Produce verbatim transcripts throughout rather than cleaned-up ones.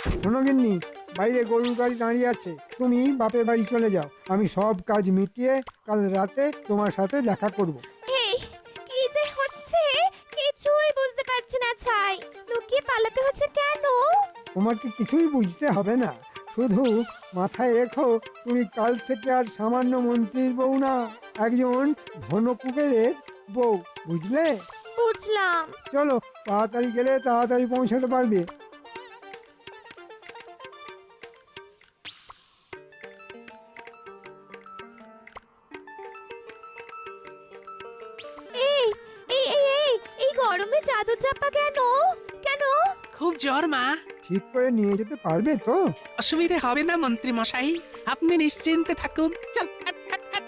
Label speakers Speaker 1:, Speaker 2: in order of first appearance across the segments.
Speaker 1: শোনো গিন্নি, বাইরে গরুর গাড়ি দাঁড়িয়ে আছে, তুমি বাপের বাড়ি চলে যাও। আমি সব কাজ মিটিয়ে কাল রাতে তোমার সাথে দেখা করব।
Speaker 2: এই কি যে হচ্ছে কিছুই বুঝতে পারছি না ছাই। লুকিয়ে পালাতে হচ্ছে কেন?
Speaker 1: তোমাকে কিছুই বুঝতে হবে না, শুধু মাথায় রেখো তুমি কাল থেকে আর সামান্য মন্ত্রীর বউ না, একজন ধনকুবেরের বউ, বুঝলে?
Speaker 2: বুঝলাম।
Speaker 1: চলো, তাড়াতাড়ি গেলে তাড়াতাড়ি পৌঁছাতে পারবে।
Speaker 2: এই এই এই এই এই গরমে চাদর চাপা কেন? কেন?
Speaker 3: খুব জ্বর মা।
Speaker 1: ঠিক করে নিয়ে যেতে পারবে তো?
Speaker 3: অসুবিধে হবে না মন্ত্রী মশাই, আপনি নিশ্চিন্তে থাকুন। চল হাট, হাট, হাট।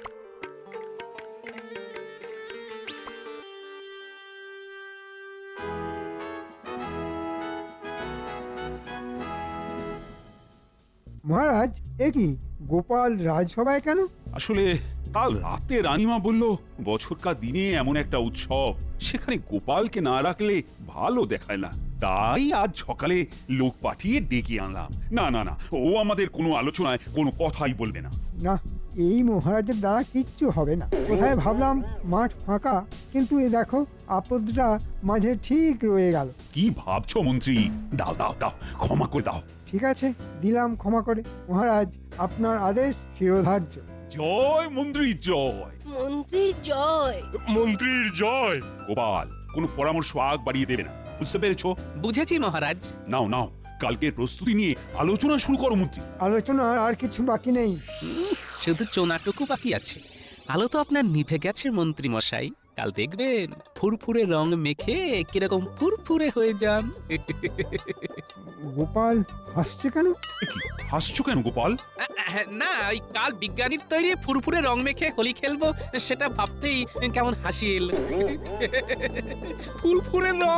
Speaker 1: মহারাজ, এ কি গোপাল রাজসভায় কেন?
Speaker 4: আসলে কাল রাতে রানীমা বলল বছরকার দিনে এমন একটা উৎসব, সেখানে গোপালকে না রাখলে ভালো দেখায় না, তাই আজ সকালে লোক পাঠিয়ে ডেকে আনলাম। না না না, ও আমাদের কোনো আলোচনায় কোনো কথাই বলবে না।
Speaker 1: না, এই মহারাজের দ্বারা কিচ্ছু হবে না। কোথায় ভাবলাম মাঠ ফাঁকা, কিন্তু এ দেখো আপদটা মাঝে ঠিক রয়ে গেল।
Speaker 4: কি ভাবছো মন্ত্রী? দাও দাও দাও, ক্ষমা করে দাও।
Speaker 1: ঠিক আছে, দিলাম ক্ষমা করে। মহারাজ, আপনার আদেশ শিরোধার্য।
Speaker 4: জয় মন্ত্রী জয়।
Speaker 5: মন্ত্রীর জয়।
Speaker 4: মন্ত্রীর জয়। গোপাল, কোনো পরামর্শ আগ বাড়িয়ে দেবে না, বুঝতে পেরেছো?
Speaker 3: বুঝেছি মহারাজ।
Speaker 4: নাও নাও, কালকের প্রস্তুতি নিয়ে আলোচনা শুরু করো মন্ত্রী।
Speaker 1: আলোচনার আর কিছু বাকি নেই।
Speaker 3: শুধু চোনাটুকু বাকি আছে। আলো তো আপনার নিভে গেছে মন্ত্রী মশাই, কাল দেখবেন ফুরফুরে রং মেখে কিরকম ফুরফুরে হয়ে যান।
Speaker 1: গোপাল হাসছে কেন?
Speaker 4: এ কি, হাসছো কেন গোপাল?
Speaker 3: না, ওই কাল বিজ্ঞানীর তৈরি ফুরফুরে রং মেখে হোলি খেলবো সেটা ভাবতেই কেমন হাসি এল। ফুরফুরে রং।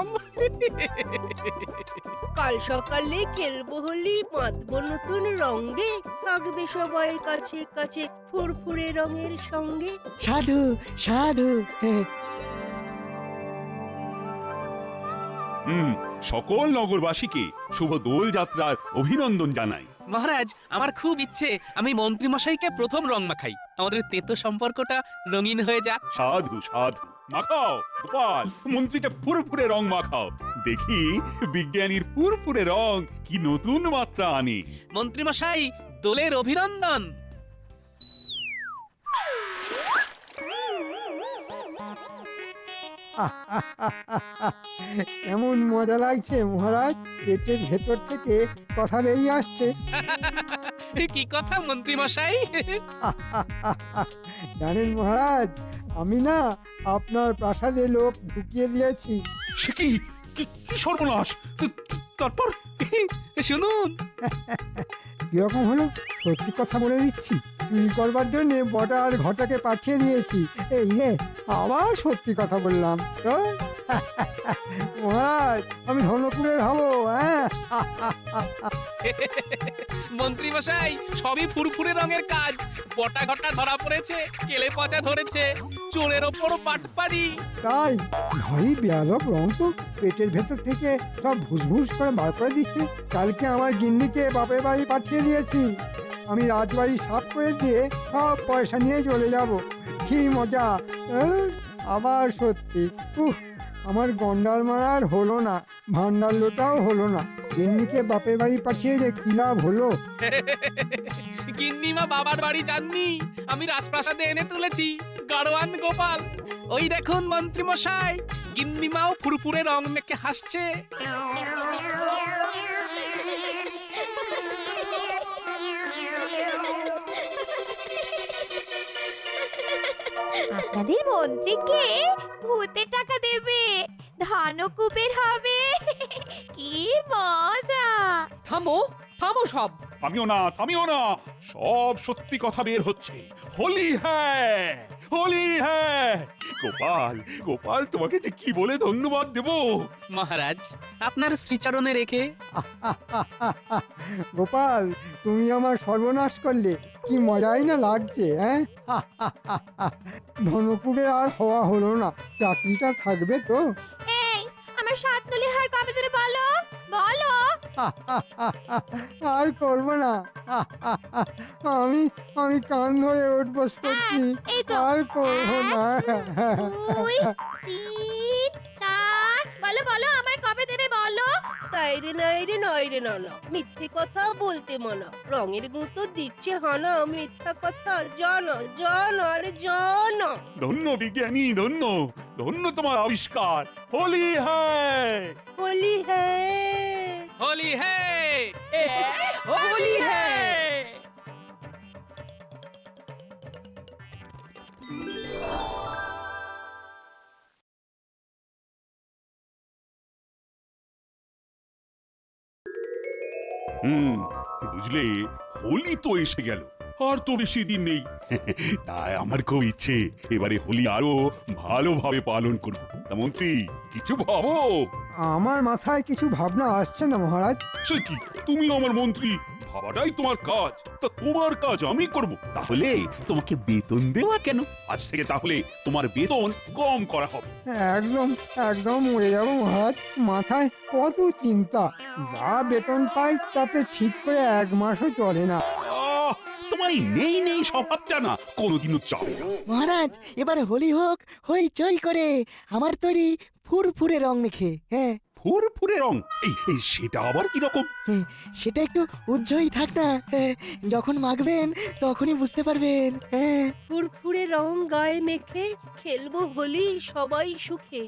Speaker 5: কাল সকালে খেলবো হোলি, বাঁধবো নতুন রং রে, থাকবে সবাই কাছে কাছে ফুরফুরে রঙের সঙ্গে।
Speaker 1: সাধু সাধু।
Speaker 4: হুম, সকল নগরবাসীকে শুভ দোল যাত্রার অভিনন্দন জানাই।
Speaker 3: মহারাজ, আমার খুব ইচ্ছে আমি মন্ত্রী মশাইকে প্রথম রং মাখাই, আমাদের তেতো সম্পর্কটা রঙিন হয়ে যাক।
Speaker 4: সাধু সাধু, মাখাও গোপাল, মন্ত্রীকে ফুরফুরে রং মাখাও, দেখি বিজ্ঞানীর ফুরফুরে রং কি নতুন মাত্রা আনে।
Speaker 3: মন্ত্রী মশাই, দোলের অভিনন্দন।
Speaker 1: এমন মজা লাগছে মহারাজ, পেটের ভেতর থেকে কথা বেরিয়ে আসছে।
Speaker 3: কি কথা মন্ত্রী মশাই?
Speaker 1: জানেন মহারাজ, আমি না আপনার প্রাসাদে লোক ঢুকিয়ে দিয়েছি।
Speaker 4: সে কি, কি- কি সর্বনাশ! তা- তারপর
Speaker 3: শুনুন।
Speaker 1: কিরকম হলো? সত্যি কথা বলে দিচ্ছি, চুরি করবার জন্য বটা আর ঘটাকে পাঠিয়ে দিয়েছি। এই রে, আবার সত্যি কথা বললাম তো। মহারাজ, আমি ধনকুবের হবো। হ্যাঁ,
Speaker 3: মন্ত্রী মশাই, সবই ফুরফুরে রঙের কাজ। বটা ঘটা ধরা পড়েছে, কেলে পচা ধরেছে, চোরের ওপর পাটপাড়ি।
Speaker 1: তাই ভারী বেয়াদব রং তো, পেটের ভেতর থেকে সব ভুসভুস করে বার করে দিচ্ছে। কালকে আমার গিন্নিকে বাপের বাড়ি পাঠিয়ে দিয়েছি, আমি রাজবাড়ি সাফ করে দিয়ে সব পয়সা নিয়ে চলে যাব। কি মজা! আহ, আবার সত্যি, উহ, আমার গন্ডাল মারার হলো না, ভান্ডার লোটাও হলো না। গিন্নিকে বাপের বাড়ি পাঠিয়ে যে কি লাভ হলো?
Speaker 3: গিন্নিমা বাবার বাড়ি যাননি, আমি রাজপ্রাসাদে এনে তুলেছি গাড়োয়ান গোপাল। ওই দেখুন মন্ত্রী মশাই, গিন্নিমাও ফুরফুরে রং মেখে হাসছে।
Speaker 2: আপনাদের মন্ত্রীকে ভূতে টাকা দেবে, ধনকুবের হবে। কি মজা!
Speaker 6: থামো থামো সব।
Speaker 4: থামিও না, থামিও না, সব সত্যি কথা বের হচ্ছে। হোলি হ্যাঁ, হোলি হ্যাঁ। গোপাল, গোপাল, তোমাকে যে কি বলে ধন্যবাদ দেব।
Speaker 3: মহারাজ, আপনার শ্রীচরণে রেখে।
Speaker 1: গোপাল, তুমি আমার সর্বনাশ করলে, কি মজাই না লাগছে। হ্যাঁ, ধনকুবের আর হওয়া হলো না, চাকরিটা থাকবে তো?
Speaker 2: এই আমার সাত নলি হার কবে দেবে বলো? বলো।
Speaker 1: আর করবো না। আমি আমি কান ধরে উঠবস করছি।
Speaker 2: এই তো।
Speaker 1: আর করবো না।
Speaker 2: দুই তিন চার বলো বলো আমায় কবে দেবে বলো।
Speaker 5: তাই রে নাই রে নয় রে না মিথ্যে কথা বলতে মানা রঙের গুঁতো দিচ্ছে হানা মিথ্যা কথা জানো জানো আরে জানো।
Speaker 4: ধন্য বিজ্ঞানী ধন্য ধন্য তোমার আবিষ্কার হোলি হ্যায়
Speaker 5: হোলি হ্যায়
Speaker 3: হোলি হে
Speaker 6: এ, হোলি হ্যায়।
Speaker 4: হুম বুঝলে হোলি তো এসে গেল আর তো বেশি দিন নেই তাই আমার খুব ইচ্ছে এবারে হোলি আরো ভালোভাবে পালন করব তা মন্ত্রী কিছু ভাবো
Speaker 1: আমার মাথায় কিছু ভাবনা আসছে না মহারাজ।
Speaker 4: সে কি তুমি আমার মন্ত্রী ভাবাটাই তোমার কাজ তা তোমার কাজ আমি করব তাহলে তোমাকে বেতন দেওয়া কেন আজ থেকে তাহলে তোমার বেতন কম করা হবে
Speaker 1: একদম একদম মরে যাবো মহারাজ। মাথায় কত চিন্তা, যা বেতন পাই তাতে ঠিক করে এক মাসও চলে না।
Speaker 4: আহ, তোমার এই নেই নেই স্বভাবটা না কোনোদিনও চলে না
Speaker 7: মহারাজ এবার হোলি হোক হইচই করে আমার তৈরি ফুরফুরে রং মেখে। হ্যাঁ
Speaker 4: ফুরফুরে রং এই এই সেটা আবার কি রকম
Speaker 7: হ্যাঁ, সেটা একটু উজ্জ্বলই থাক না। হ্যাঁ, যখন মাখবেন তখনই বুঝতে পারবেন। হ্যাঁ
Speaker 5: ফুরফুরে রং গায়ে মেখে খেলবো হোলি সবাই সুখে।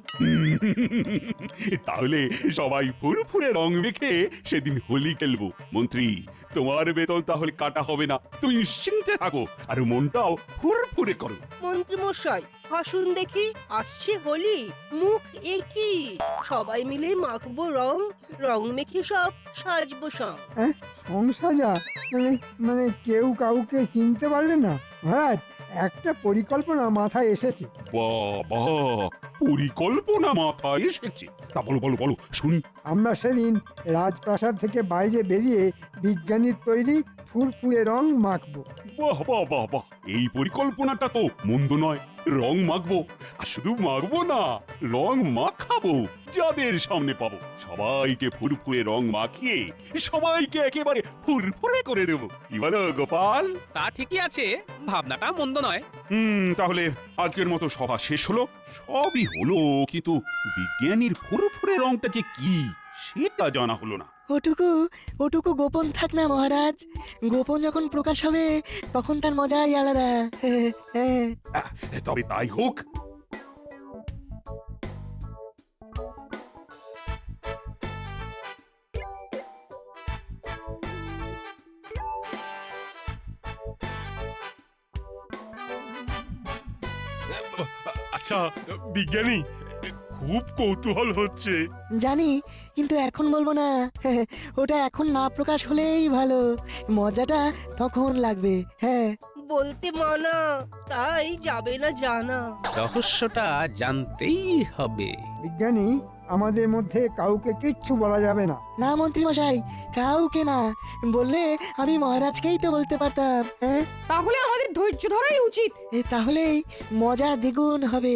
Speaker 4: তাহলে সবাই ফুরফুরে রং মেখে সেদিন হোলি খেলবো মন্ত্রী তোমার বেতন তাহলে কাটা হবে না তুমি নিশ্চিন্তে থাকো আর মনটাও ফুরফুরে করো
Speaker 5: মন্ত্রী মশাই হাসুন দেখি আসছে হোলি মুখ একই সবাই মিলে মাখবো রং রং মেখে সব সাজবো সব।
Speaker 1: সংসাজা মানে মানে কেউ কাউকে চিনতে পারবে না মহারাজ। একটা পরিকল্পনা মাথায় এসেছে।
Speaker 4: বাবা পরিকল্পনা মাথায় এসেছে তা বলো বলো বলো শুনি
Speaker 1: আমরা সেদিন রাজপ্রাসাদ থেকে বাইরে বেরিয়ে বিজ্ঞানীর তৈরি ফুরফুরে রং মাখবো।
Speaker 4: বাহ বাহ বাহ বাহ এই পরিকল্পনাটা তো মন্দ নয় রং মাখবো আর শুধু মাখবো না রং মাখাবো যাদের সামনে পাবো সবাইকে ফুরফুরে রং মাখিয়ে সবাইকে একেবারে ফুরফুরে করে দেবো কি বলো গোপাল
Speaker 3: তা ঠিকই আছে, ভাবনাটা মন্দ নয়।
Speaker 4: হুম তাহলে আজকের মতো সভা শেষ হলো সবই হলো কিন্তু বিজ্ঞানীর ফুরফুরে রংটা যে কি সেটা জানা হলো না
Speaker 7: ওটুকু ওটুকু গোপন থাক না মহারাজ। গোপন যখন প্রকাশ হবে তখন তার মজাই আলাদা। হ্যাঁ, হ্যাঁ।
Speaker 4: আহ, তবে তাই হোক
Speaker 8: আচ্ছা বিজ্ঞানী খুব কৌতূহল হচ্ছে
Speaker 7: জানি কিন্তু এখন বলবো না। হ্যাঁ, ওটা এখন না প্রকাশ হলেই ভালো, মজাটা তখন লাগবে। হ্যাঁ
Speaker 5: বলতে মানা তাই যাবে না জানা।
Speaker 3: রহস্যটা জানতেই হবে।
Speaker 1: বিজ্ঞানী আমাদের মধ্যে কাউকে কিচ্ছু বলা যাবে না।
Speaker 7: না মন্ত্রী মশাই, কাউকে না বললে আমি মহারাজকেই তো বলতে পারতাম। হ্যাঁ
Speaker 6: তাহলে আমাদের ধৈর্য ধরাই উচিত।
Speaker 7: এ তাহলেই মজা দ্বিগুণ হবে।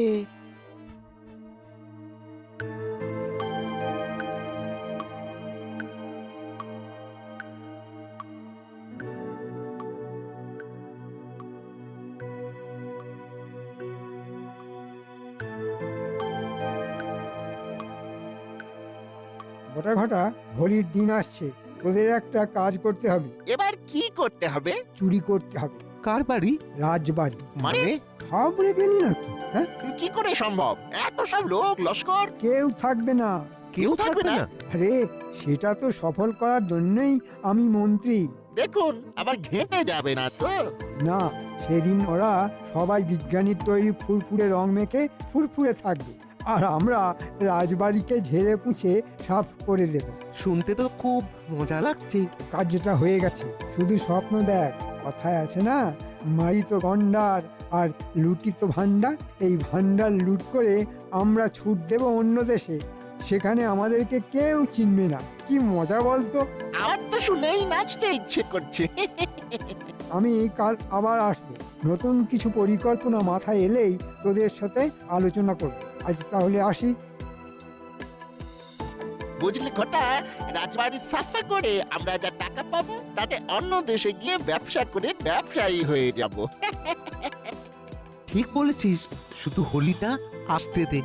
Speaker 1: ঘটা ঘটা হোলির দিন আসছে, তোদের একটা কাজ করতে হবে।
Speaker 9: এবার কি করতে হবে?
Speaker 1: চুরি করতে হবে
Speaker 9: কার বাড়ি?
Speaker 1: রাজবাড়ি।
Speaker 9: মানে
Speaker 1: খাবড়ে গেলি নাকি? হ্যাঁ,
Speaker 9: কি করে সম্ভব? এত সব লোক লস্কর
Speaker 1: কেউ থাকবে না।
Speaker 9: কেউ থাকবে না?
Speaker 1: আরে সেটা তো সফল করার জন্যই আমি মন্ত্রী।
Speaker 9: দেখুন আবার ঘেঁটে যাবে না তো?
Speaker 1: না, সেদিন ওরা সবাই বিজ্ঞানীর তৈরি ফুরফুরে রং মেখে ফুরফুরে থাকবে, আর আমরা রাজবাড়িকে ঝেড়ে পুছে সাফ করে দেব।
Speaker 9: শুনতে তো খুব মজা লাগছে।
Speaker 1: কাজটা হয়ে গেছে, শুধু স্বপ্ন দেখ। কথায় আছে না, মারিত গন্ডার আর লুটিত ভান্ডার। এই ভান্ডার লুট করে আমরা ছুট দেব অন্য দেশে, সেখানে আমাদেরকে কেউ চিনবে না। কি মজা বলতো?
Speaker 9: আমার তো শুনেই নাচতে ইচ্ছে করছে।
Speaker 1: আমি কাল আবার আসবো, নতুন কিছু পরিকল্পনা মাথায় এলেই তোদের সাথে আলোচনা করব। আজ তাহলে আসি।
Speaker 9: বুঝলি ঘটা, রাজবাড়ি সাফা করে আমরা যা টাকা পাবো তাতে অন্য দেশে গিয়ে ব্যবসা করে ব্যবসায়ী হয়ে যাব।
Speaker 10: ঠিক বলেছিস, শুধু হোলিটা আসতে দে।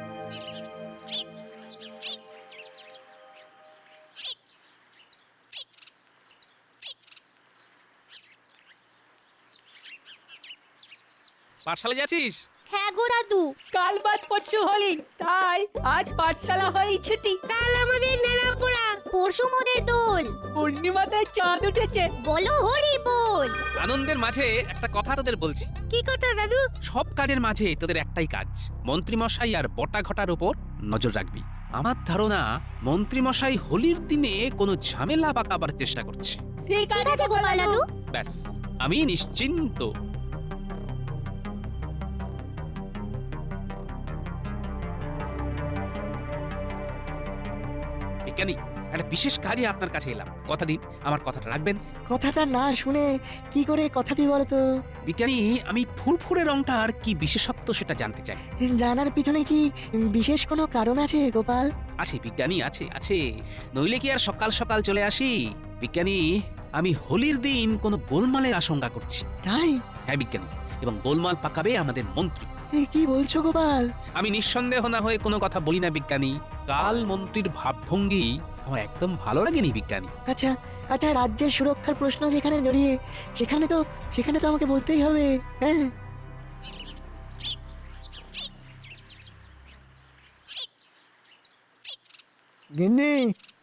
Speaker 3: পাঠশালা যাচ্ছিস?
Speaker 2: হ্যাঁ গো দাদু।
Speaker 6: কাল বাদ পরশু হলি, তাই আজ পাঠশালা হয়ে ছুটি।
Speaker 5: কাল আমাদের নেড়াপোড়া।
Speaker 2: পরশু মোদের দোল।
Speaker 6: পূর্ণিমাতে চাঁদ উঠেছে।
Speaker 2: বলো হরি বল।
Speaker 3: আনন্দের মাঝে একটা কথা তোদের বলছি।
Speaker 5: কি কথা দাদু?
Speaker 3: সব কাজের মাঝে তোদের একটাই কাজ, মন্ত্রীমশাই আর বটা ঘটার উপর নজর রাখবি। আমার ধারণা মন্ত্রীমশাই হোলির দিনে কোনো ঝামেলা পাকাবার চেষ্টা করছে।
Speaker 6: ঠিক
Speaker 2: ঠিক আছে গোপাল দাদু।
Speaker 3: ব্যাস, আমি নিশ্চিন্ত। বিজ্ঞানী, একটা বিশেষ কাজে আপনার কাছে এলাম, কথা দিন আমার কথাটা রাখবেন।
Speaker 7: কথাটা না শুনে কি করে কথা দিই বলতো?
Speaker 3: বিজ্ঞানী, আমি ফুরফুরে রংটার কি বিশেষত্ব সেটা জানতে চাই।
Speaker 7: জানার পিছনে কি বিশেষ কোনো কারণ আছে গোপাল?
Speaker 3: আছে বিজ্ঞানী, আছে আছে নইলে কি আর সকাল সকাল চলে আসি। বিজ্ঞানী, আমি হোলির দিন কোনো গোলমালের আশঙ্কা করছি।
Speaker 7: তাই?
Speaker 3: হ্যাঁ বিজ্ঞানী, এবং গোলমাল পাকাবে আমাদের মন্ত্রী।
Speaker 7: এ, কি বলছো গোপাল?
Speaker 3: আমি নিঃসন্দেহ না হয়ে কোনো কথা বলি না বিজ্ঞানী। কাল মন্ত্রীর ভাবভঙ্গি আমার একদম ভালো লাগেনি বিজ্ঞানী।
Speaker 7: আচ্ছা আচ্ছা, রাজ্যের সুরক্ষার প্রশ্ন যেখানে জড়িয়ে, সেখানে তো সেখানে তো আমাকে বলতেই হবে। হ্যাঁ,
Speaker 1: গিন্নি,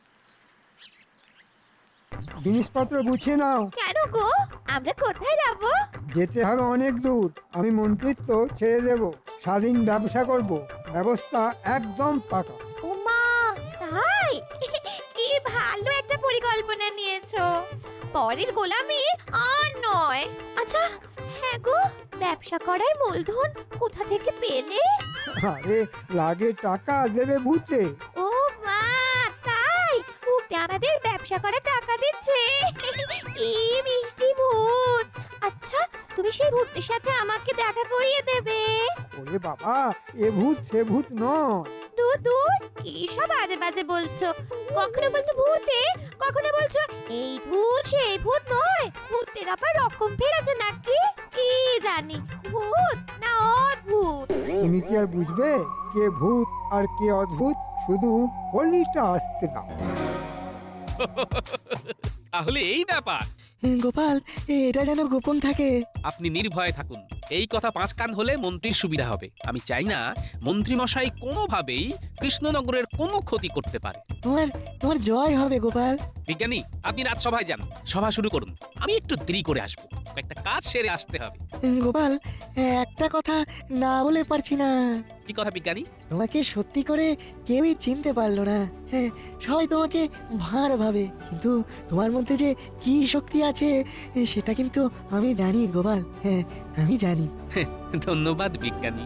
Speaker 1: জিনিসপত্র গুছিয়ে নাও।
Speaker 2: কেন গো? আমরা কোথায় যাব?
Speaker 1: যেতে হবে অনেক দূর। আমি মন্ত্রিত্ব ছেড়ে দেব, স্বাধীন ব্যবসা করব, ব্যবস্থা একদম পাকা।
Speaker 2: ওমা, তাই? কি ভালো একটা পরিকল্পনা নিয়েছো। পরের গোলামি আর নয়। আচ্ছা, হ্যাঁ গো, ব্যবসা করার মূলধন কোথা থেকে পেলে?
Speaker 1: আরে লাগে টাকা দেবে ভূতে।
Speaker 2: ও মা, তাই? ভূতে আমাদের ব্যবসা করার টাকা দিচ্ছে। কি মিষ্টি ভূত। আচ্ছা, তুমি সেই ভূতের সাথে আমাকে দেখা করিয়ে দেবে?
Speaker 1: ওরে বাবা, এ ভূত সে ভূত নয়।
Speaker 2: দূর দূর, কি সব বাজে বাজে বলছো। কখনো বলছো ভূতে, কখনো বলছো এই ভূত সেই ভূত নয়। ভূতের আবার রকম ফের আছে নাকি? কি জানি, ভূত না অদ্ভুত।
Speaker 1: তুমি কি আর বুঝবে কে ভূত আর কে অদ্ভুত? শুধু হোলিটা আসতে দাও।
Speaker 3: তাহলে এই ব্যাপার।
Speaker 7: গোপাল, এটা যেন গোপন থাকে।
Speaker 3: আপনি নির্ভয়ে থাকুন, এই কথা পাঁচ কান হলে মন্ত্রীর সুবিধা হবে। আমি চাই না মন্ত্রীমশাই কোনোভাবেই কৃষ্ণনগরের কোনো ক্ষতি করতে পারে।
Speaker 7: তোমার তোমার জয় হবে গোপাল।
Speaker 3: বিজ্ঞানী, আপনি রাজসভায় যান, সভা শুরু করুন। আমি একটু দেরি করে আসবো, একটা কাজ সেরে আসতে হবে।
Speaker 7: গোপাল, একটা কথা না বলে পারছি না।
Speaker 3: কি কথা বিজ্ঞানী?
Speaker 7: তোমাকে সত্যি করে কেউই চিনতে পারলো না। হ্যাঁ, সবাই তোমাকে ভাঁড় ভাবে, কিন্তু তোমার মধ্যে যে কি শক্তি আছে সেটা কিন্তু আমি জানি গোপাল। হ্যাঁ, আমি জানি।
Speaker 3: ধন্যবাদ বিজ্ঞানী।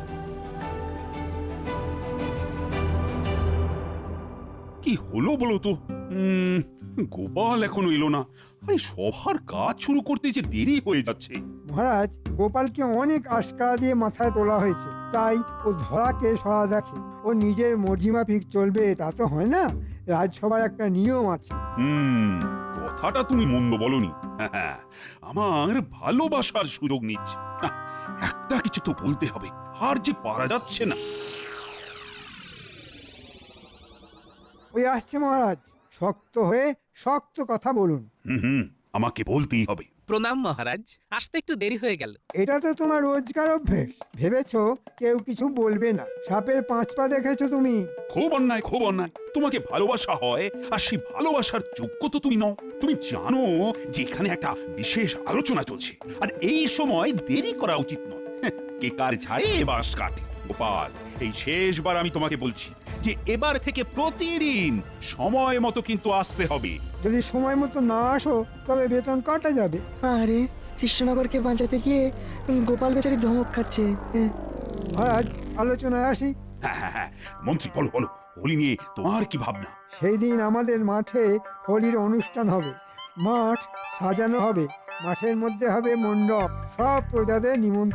Speaker 4: কি হলো বলো তো? উম, গোপাল এখনো এলো না। আরে সভার কাজ শুরু করতে যে দেরি হয়ে যাচ্ছে।
Speaker 1: মহারাজ, গোপালকে অনেক আশকারা দিয়ে মাথায় তোলা হয়েছে, তাই ও ধরাকে সরা দেখে। ও নিজের মর্জিমাফিক চলবে তা তো হয় না। রাজসভার একটা নিয়ম আছে।
Speaker 4: হুম, কথাটা তুমি মন্দ বলনি। হ্যাঁ, আমার ভালোবাসার সুযোগ নিচ্ছে না। একটা কিছু তো বলতে হবে, আর যে পারা যাচ্ছে না।
Speaker 1: ওই আসছে মহারাজ, শক্ত হয়ে শক্ত কথা বলুন।
Speaker 4: হুম হুম, আমাকে বলতেই হবে।
Speaker 3: প্রণাম মহারাজ, আসতে একটু দেরি হয়ে গেল।
Speaker 1: এটা তো তোমার রোজকার অভ্যেস। ভেবেছো কেউ কিছু বলবে না। সাপের পাঁচ পা দেখেছো তুমি?
Speaker 4: খুব অন্যায়, খুব অন্যায়। তোমাকে ভালোবাসা হয়, আর সেই ভালোবাসার যোগ্য তো তুমি নও। তুমি জানো যে এখানে একটা বিশেষ আলোচনা চলছে, আর এই সময় দেরি করা উচিত নয়। হ্যাঁ, কে কার ঝাড়ে বাঁশ কাটে। গোপাল, এই শেষবার আমি তোমাকে বলছি যে এবার থেকে প্রতিদিন সময় মতো কিন্তু আসতে হবে।
Speaker 1: যদি সময় মতো না আসো তবে বেতন কাটা যাবে।
Speaker 7: আরে, কৃষ্ণনগরকে বাঁচাতে গিয়ে গোপাল বেচারি ধমক খাচ্ছে। হ্যাঁ,
Speaker 1: মহারাজ, আলোচনায় আসি।
Speaker 4: হ্যাঁ হ্যাঁ হ্যাঁ, মন্ত্রী বলো বলো, হোলি নিয়ে তোমার কি ভাবনা?
Speaker 1: সেই দিন আমাদের মাঠে হোলির অনুষ্ঠান হবে। মাঠ সাজানো হবে, মাঠের মধ্যে হবে মণ্ডপ, সব প্রজাদের নিমন্ত্রণ।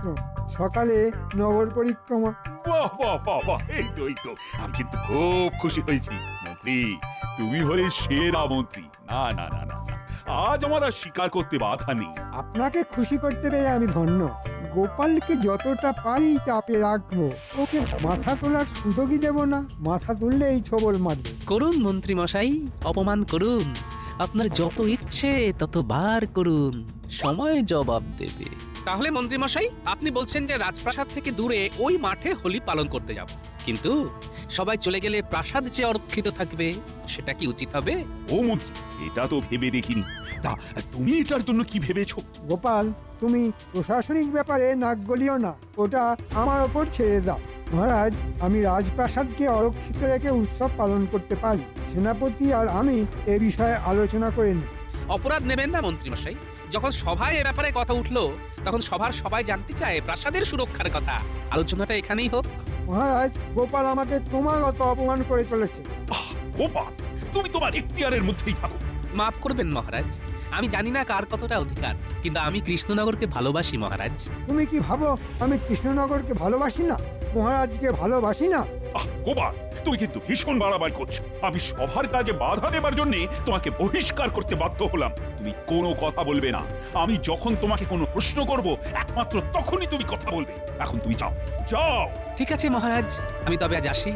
Speaker 1: সকালে নগর পরিক্রমা।
Speaker 4: বাহ বাহ বাহ বাহ, এই তো এই তো আমি কিন্তু খুব খুশি হয়েছি মন্ত্রী। তুমি হলে সেরা মন্ত্রী। না না না না না, আজ আমার আর স্বীকার করতে বাধা নেই।
Speaker 1: আপনাকে খুশি করতে পেরে আমি ধন্য। গোপালকে যতটা পারি চাপে রাখবো, ওকে মাথা তোলার সুযোগই দেব না। মাথা তুললেই ছবল মারবে।
Speaker 3: করুন মন্ত্রী মশাই, অপমান করুন। আপনার যত ইচ্ছে তত বার করুন, সময় জবাব দেবে। তাহলে মন্ত্রী মশাই, আপনি বলছেন যে রাজপ্রাসাদ থেকে দূরে ওই মাঠে হোলি পালন করতে যাব, কিন্তু সবাই চলে গেলে প্রাসাদ যে অরক্ষিত থাকবে, সেটা কি উচিত হবে?
Speaker 4: ও মন্ত্রী, এটা তো ভেবে দেখিনি। তা তুমি এটার জন্য কি ভেবেছো?
Speaker 1: গোপাল, তুমি প্রশাসনিক ব্যাপারে নাক গলিও না, ওটা আমার ওপর ছেড়ে দাও। মহারাজ, আমি রাজপ্রাসাদকে অরক্ষিত রেখে উৎসব পালন করতে পারি। সেনাপতি আর আমি এ বিষয়ে আলোচনা করে নিই।
Speaker 3: অপরাধ নেবেন না মন্ত্রী মশাই। যখন সভায় এ ব্যাপারে কথা উঠলো, তখন সভার সবাই জানতে চায় প্রাসাদের সুরক্ষার কথা। আলোচনাটা এখানেই হোক।
Speaker 1: মহারাজ, গোপাল আমাকে ক্রমাগত অপমান করে চলেছে।
Speaker 4: আহ, গোপাল, তুমি তোমার এখতিয়ারের মধ্যেই থাকো।
Speaker 3: মাফ করবেন মহারাজ, আমি জানি না কার কতটা অধিকার, কিন্তু আমি কৃষ্ণনগরকে ভালোবাসি মহারাজ।
Speaker 1: তুমি কি ভাবো আমি কৃষ্ণনগরকে ভালোবাসি না, মহারাজকে ভালোবাসি না?
Speaker 4: আহ গোপাল, তুমি কিন্তু ভীষণ বাড়াবাড়ি করছো। আমি সভার কাজে বাধা দেবার জন্য তোমাকে বহিষ্কার করতে বাধ্য হলাম। তুমি কোনো কথা বলবে না। আমি যখন তোমাকে কোনো প্রশ্ন করব, একমাত্র তখনই তুমি কথা বলবে। এখন তুমি যাও, যাও।
Speaker 3: ঠিক আছে মহারাজ, আমি তবে আজ আসি।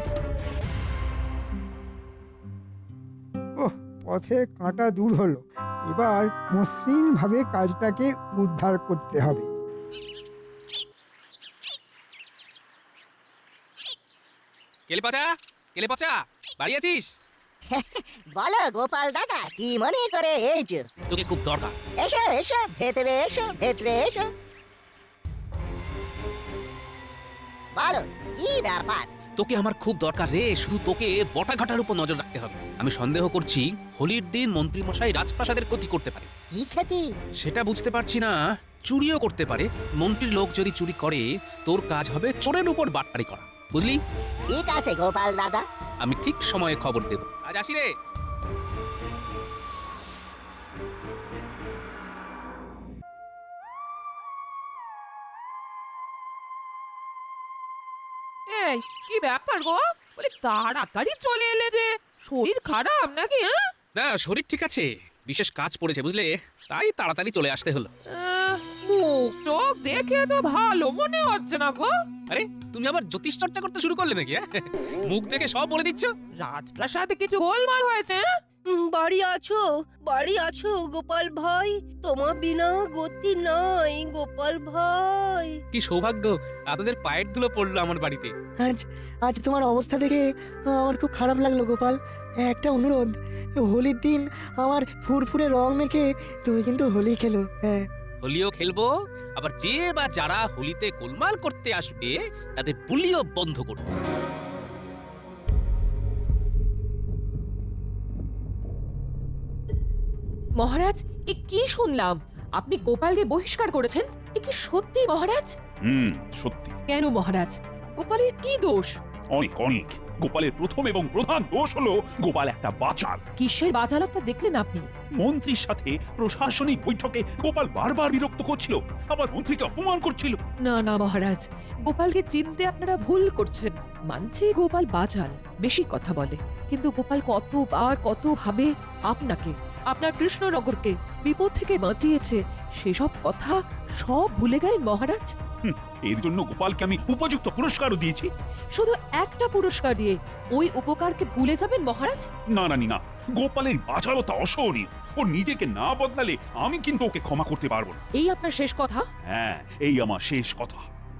Speaker 1: ওহ, পথের কাঁটা দূর হলো। এবার মসৃণ ভাবে কাজটাকে উদ্ধার করতে হবে।
Speaker 3: কেলে পচা, কেলে পচা, বাড়ি আছিস?
Speaker 11: বলো গোপাল দাদা, কি মনে করে এসো?
Speaker 3: তোকে খুব দরকার।
Speaker 11: এসো এসো, ভেতরে এসো, ভেতরে এসো। বলো, কি ব্যাপার?
Speaker 3: তোকে আমার খুব দরকার রে। শুধু তোকে বটাঘাটার উপর নজর রাখতে হবে। আমি সন্দেহ করছি হোলির দিন মন্ত্রী মশাই রাজপ্রাসাদের ক্ষতি করতে পারে।
Speaker 11: কি ক্ষতি?
Speaker 3: সেটা বুঝতে পারছি না। চুরিও করতে পারে। মন্ত্রীর লোক যদি চুরি করে, তোর কাজ হবে চোরের উপর বাটপারি করা, বুঝলি?
Speaker 11: ঠিক আছে গোপাল দাদা।
Speaker 3: আমি ঠিক সময়ে খবর দেব। আজ আসি রে।
Speaker 12: এই কি ব্যাপার গো? বলে তাড়াতাড়ি চলে এলে যে, শরীর খারাপ নাকি? হ্যাঁ,
Speaker 3: না, শরীর ঠিক আছে, বিশেষ কাজ পড়েছে বুঝলে, তাই তাড়াতাড়ি চলে আসতে হলো।
Speaker 12: আহ, মুখ চোখ দেখে তো ভালো মনে হচ্ছে না গো।
Speaker 3: আরে, তুমি আবার জ্যোতিষ চর্চা করতে শুরু করলে নাকি? হ্যাঁ? মুখ দেখে সব বলে দিচ্ছ।
Speaker 12: রাজপ্রাসাদে কিছু গোলমাল হয়েছে? হ্যাঁ?
Speaker 5: উম, বাড়ি আছো, বাড়ি আছো গোপাল ভাই? তোমার বিনা গতি নাই গোপাল ভাই।
Speaker 3: কি সৌভাগ্য, আপনাদের পায়ের ধুলো পড়লো আমার বাড়িতে।
Speaker 7: আজ আজ তোমার অবস্থা দেখে আমার খুব খারাপ লাগলো গোপাল। একটা অনুরোধ, হোলির দিন আমার ফুরফুরে রং মেখে তুমি কিন্তু হোলি খেলো। হ্যাঁ,
Speaker 3: হোলিও খেলবো, আবার যে বা যারা হোলিতে গোলমাল করতে আসবে তাদের বুলিও বন্ধ করবো।
Speaker 12: মহারাজ, এ কি শুনলাম? আপনি গোপালকে বহিষ্কার করেছেন? এ কি সত্যি মহারাজ?
Speaker 4: হুম, সত্যি।
Speaker 12: কেন মহারাজ? গোপালের কি দোষ?
Speaker 4: অনেক অনেক। গোপালের প্রথম এবং প্রধান দোষ হলো গোপাল একটা বাচাল।
Speaker 12: কিসের বাচালতা দেখলেন আপনি?
Speaker 4: মন্ত্রীর সাথে প্রশাসনিক বৈঠকে গোপাল বারবার বিরক্ত করছিল, আবার মন্ত্রীকে অপমান করছিল।
Speaker 12: না না মহারাজ, গোপালকে চিনতে আপনারা ভুল করছেন। মানছি গোপাল বাচাল, বেশি কথা বলে, কিন্তু গোপাল কতবার কত ভাবে আপনাকে, আপনার কৃষ্ণনগরকে বিপদ থেকে বাঁচিয়েছে, সেসব কথা সব ভুলে গেলেন মহারাজ।
Speaker 4: হুম, এর জন্য গোপালকে আমি উপযুক্ত পুরস্কারও দিয়েছি।
Speaker 12: শুধু একটা পুরস্কার দিয়ে ওই উপকারকে ভুলে যাবেন মহারাজ?
Speaker 4: না না না, গোপালের বাচালতা অসহনীয়। ও নিজেকে না বদলালে আমি কিন্তু ওকে ক্ষমা করতে পারবো না।
Speaker 12: এই আপনার শেষ কথা?
Speaker 4: হ্যাঁ, এই আমার শেষ কথা।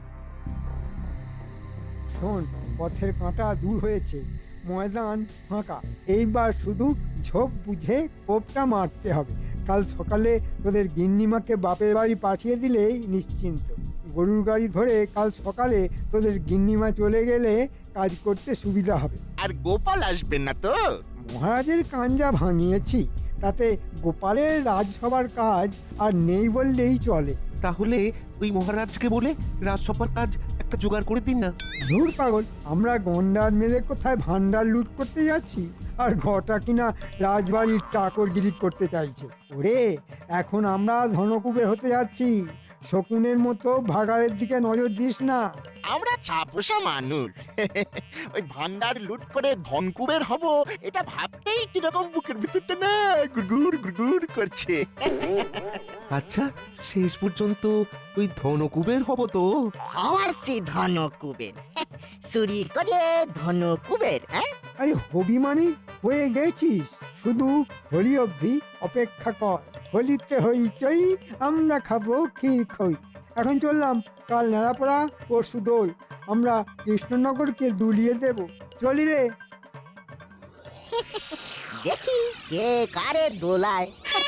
Speaker 1: শোন, পথের কাঁটা দূর হয়েছে, ময়দান ফাঁকা। এইবার শুধু ঝোপ বুঝে কোপটা মারতে হবে। কাল সকালে তোদের গিন্নিমাকে বাপের বাড়ি পাঠিয়ে দিলেই নিশ্চিন্ত। গরুর গাড়ি ধরে কাল সকালে তোদের গিন্নিমা চলে গেলে কাজ করতে সুবিধা হবে।
Speaker 9: আর গোপাল আসবেন না তো?
Speaker 1: মহারাজের কাঞ্জা ভাঙিয়েছি, তাতে গোপালের রাজসভার কাজ আর নেই বললেই চলে।
Speaker 10: তাহলে ওই মহারাজকে বলে রাজসভার কাজ একটা জোগাড় করে দিন না।
Speaker 1: ধুর পাগল, আমরা গন্ডার মেলে কোথায় ভান্ডার লুট করতে যাচ্ছি, আর ঘটা কিনা রাজবাড়ির চাকরগিরি করতে চাইছে। ওরে, এখন আমরা ধনকুবের হতে যাচ্ছি। শকুনের মতো ভাগাড়ের দিকে নজর দিস না।
Speaker 9: আমরা ছাপোষা মানুষ ওই ভান্ডার লুট করে ধনকুবের হব এটা ভাবতেই কিরকম বুকের ভিতরটা না গুড়গুড় গুড়গুড় করছে।
Speaker 10: আচ্ছা শেষ পর্যন্ত ওই ধনকুবের হব তো?
Speaker 11: হওয়াছি ধন কুবের চুরি করে ধন কুবের হ্যাঁ
Speaker 1: আরে হবি মানে হয়ে গেছিস, শুধু হোলি অবধি অপেক্ষা কর। হোলিতে হইচই, আমরা খাবো ক্ষীর খই। এখন চললাম, কাল নেড়াপড়া পরশু দোল, আমরা কৃষ্ণনগরকে দুলিয়ে দেব। চলি রে।
Speaker 11: দেখি কে কারে দোলায়।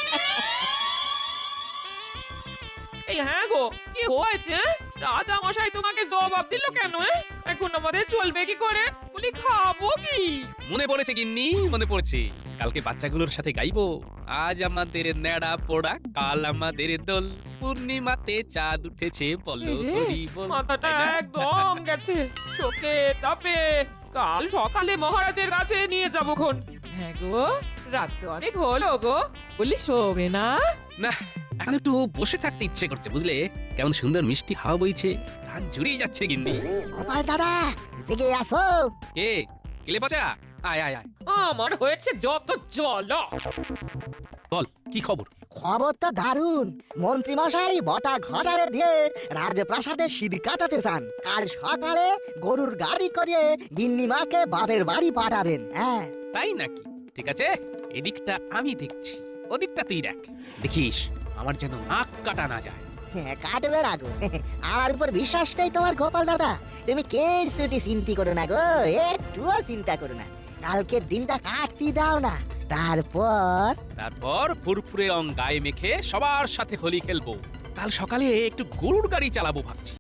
Speaker 12: এই হ্যাঁ গো, কি হয়েছে? রাজা মশাই তোমাকে জবাব দিল কেন? এ? এখন আমাদের চলবে কি করে? বলি খাবো কি?
Speaker 3: মনে পড়েছে গিন্নি, মনে পড়েছে। কালকে বাচ্চাগুলোর সাথে গাইবো, আজ আমাদের নেড়া পোড়া, কাল আমাদের দোল, পূর্ণিমাতে চাঁদ উঠেছে বলো
Speaker 12: এই রে,
Speaker 3: হরি বল।
Speaker 12: মাথাটা
Speaker 3: তাই না?
Speaker 12: একদম গেছে চোখে তাপে। কাল সকালে মহারাজের কাছে নিয়ে যাবো খন। হ্যাঁ গো, রাত তো অনেক হলো গো, বলি শোবে না?
Speaker 3: না, এখন একটু বসে থাকতে ইচ্ছে করছে বুঝলে। কেমন সুন্দর মিষ্টি হাওয়া বইছে, প্রাণ জুড়িয়ে যাচ্ছে গিন্নি।
Speaker 11: গোপাল দাদা জেগে আসো।
Speaker 3: কে কেলে পচা? আয় আয় আয়,
Speaker 12: আমার হয়েছে যত জল।
Speaker 3: বল কি খবর?
Speaker 11: খবর তো দারুণ। মন্ত্রী মশাই বটা ঘটারে দিয়ে রাজপ্রাসাদে সিঁদ কাটাতে চান। কাল সকালে গরুর গাড়ি করে গিন্নিমাকে বাপের বাড়ি পাঠাবেন। হ্যাঁ
Speaker 3: তাই নাকি? ঠিক আছে, এদিকটা আমি দেখছি, ওদিকটা তুই দেখ। দেখিস আমার যেন নাক কাটা না যায়।
Speaker 11: হ্যাঁ, কাটবে না গো। আমার উপর বিশ্বাস নেই তোমার গোপাল দাদা? তুমি কে ছুটি চিন্তা করো না গো, একটুও চিন্তা করো না। কালকের দিনটা কাটতে দাও না, তারপর
Speaker 3: তারপর ফুরফুরে রং গায়ে মেখে সবার সাথে হোলি খেলবো। কাল সকালে একটু গরুর গাড়ি চালাবো ভাবছি।